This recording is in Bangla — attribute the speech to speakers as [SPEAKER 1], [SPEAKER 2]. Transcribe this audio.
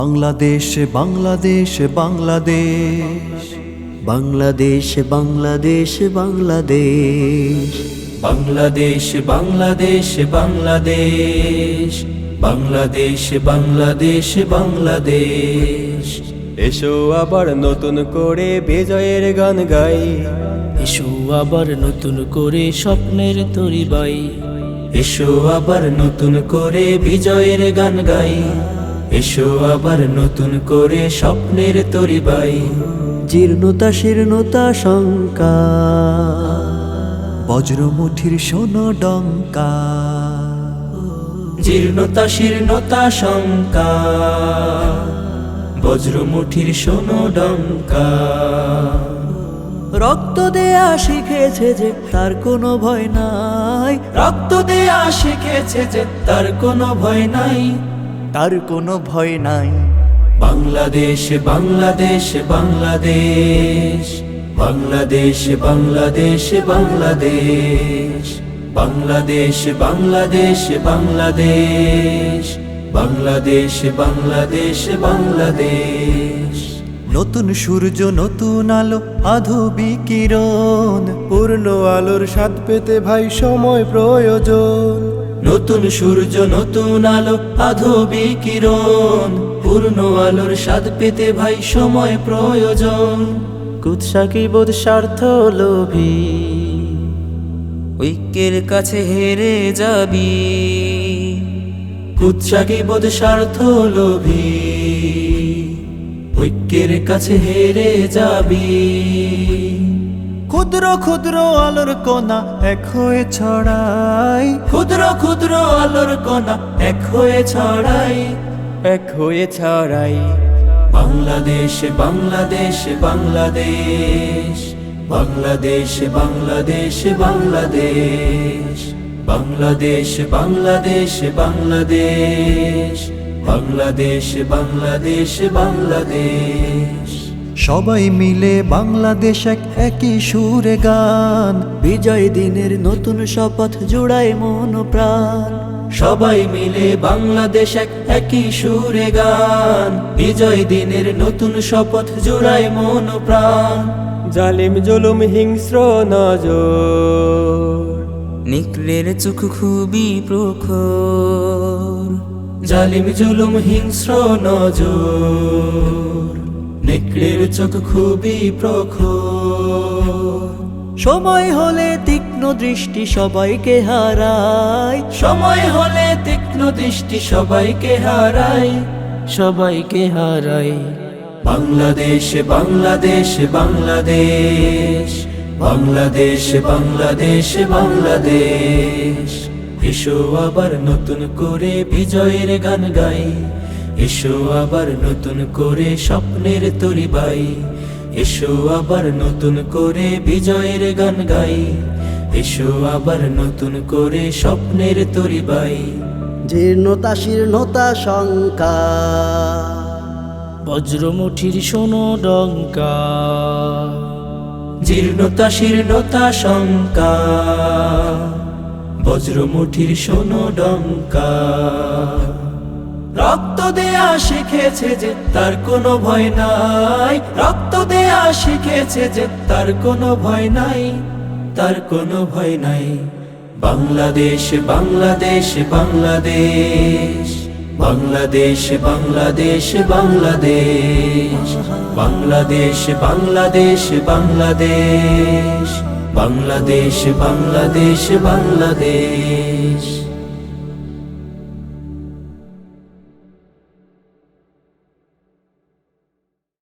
[SPEAKER 1] বাংলাদেশ বাংলাদেশ বাংলাদেশ
[SPEAKER 2] বাংলাদেশ বাংলাদেশ বাংলাদেশ
[SPEAKER 3] বাংলাদেশ বাংলাদেশ বাংলাদেশ বাংলাদেশ বাংলাদেশ বাংলাদেশ
[SPEAKER 4] এসো আবার নতুন করে বিজয়ের গান গাই,
[SPEAKER 3] এসো আবার নতুন করে স্বপ্নের তরি বাই, এসো আবার নতুন করে বিজয়ের গান গাই, এসো আবার নতুন করে স্বপ্নের তরি বাই।
[SPEAKER 2] জীর্ণতা শীর্ণতা শঙ্কা
[SPEAKER 1] বজ্রমুঠির শোনো ডঙ্কা,
[SPEAKER 3] জীর্ণতা শীর্ণতা শঙ্কা বজ্রমুঠির শোনো ডঙ্কা।
[SPEAKER 2] রক্ত দেয়া শিখেছে যে তার কোনো ভয় নাই,
[SPEAKER 3] রক্ত দেয়া শিখেছে যে তার কোনো ভয় নাই,
[SPEAKER 1] তার কোনো ভয় নাই।
[SPEAKER 3] বাংলাদেশ বাংলাদেশ বাংলাদেশ বাংলাদেশ বাংলাদেশ বাংলাদেশ বাংলাদেশ বাংলাদেশ বাংলাদেশ বাংলাদেশ বাংলাদেশ বাংলাদেশ।
[SPEAKER 1] নতুন সূর্য নতুন আলো আধুবি কিরণ,
[SPEAKER 4] পূর্ণ আলোর স্বাদ পেতে ভাই সময় প্রয়োজন।
[SPEAKER 3] নতুন সূর্য নতুন আলো আধোবি কিরণ, পূর্ণ আলোর স্বাদ পেতে ভাই সময় প্রয়োজন।
[SPEAKER 2] কুৎসাকি বোধ স্বার্থ লোভী ঐক্যের কাছে হেরে যাবি,
[SPEAKER 3] কুৎসাকি বোধ স্বার্থ লোভী ঐক্যের কাছে হেরে যাবি।
[SPEAKER 1] ক্ষুদ্র ক্ষুদ্র আলোর কণা এক হয়ে ছড়াই,
[SPEAKER 3] ক্ষুদ্র ক্ষুদ্র আলোর কণা এক হয়ে ছড়াই,
[SPEAKER 4] এক হয়ে ছড়াই।
[SPEAKER 3] বাংলাদেশ বাংলাদেশ বাংলাদেশ বাংলাদেশ বাংলাদেশ বাংলাদেশ বাংলাদেশ বাংলাদেশ বাংলাদেশ বাংলাদেশ বাংলাদেশ বাংলাদেশ।
[SPEAKER 1] সবাই মিলে বাংলাদেশ এক একই সুরে গান,
[SPEAKER 2] বিজয় দিনের নতুন শপথ জুড়ায় মন প্রাণ।
[SPEAKER 3] সবাই মিলে বাংলাদেশ এক একই সুরে গান, বিজয় দিনের নতুন শপথ জোড়ায় মন প্রাণ।
[SPEAKER 4] জালিম জুলুম হিংস্র নজর
[SPEAKER 2] নিকলের চোখ খুবই প্রখর,
[SPEAKER 3] জালিম জুলুম হিংস্র নজর নেকড়ের চোখ খুবই প্রখর।
[SPEAKER 2] সময় হলে তীক্ষ্ণ দৃষ্টি সবাইকে হারায়,
[SPEAKER 3] সময় হলে তীক্ষ্ণ দৃষ্টি সবাইকে হারায়,
[SPEAKER 2] সবাইকে হারায়।
[SPEAKER 3] বাংলাদেশ বাংলাদেশ বাংলাদেশ বাংলাদেশ বাংলাদেশ বাংলাদেশ। এসো আবার নতুন করে বিজয়ের গান গাই, এসো আবার নতুন করে স্বপ্নের তরি বাই, এসো আবার নতুন করে বিজয়ের গান গাই, এসো আবার নতুন করে স্বপ্নের তরি বাই।
[SPEAKER 2] জীর্ণতা শীর্ণতা শঙ্কা বজ্রমুঠির শোনো ডঙ্কা,
[SPEAKER 3] জীর্ণতা শীর্ণতা শঙ্কা বজ্রমুঠির শোনো ডঙ্কা। রক্ত দেয়া শিখেছে যে তার কোনো ভয় নাই, রক্ত দেয়া শিখেছে যে তার কোনো ভয় নাই, তার কোনো ভয় নাই। বাংলাদেশ বাংলাদেশ বাংলাদেশ বাংলাদেশ বাংলাদেশ বাংলাদেশ বাংলাদেশ বাংলাদেশ বাংলাদেশ বাংলাদেশ বাংলাদেশ বাংলাদেশ।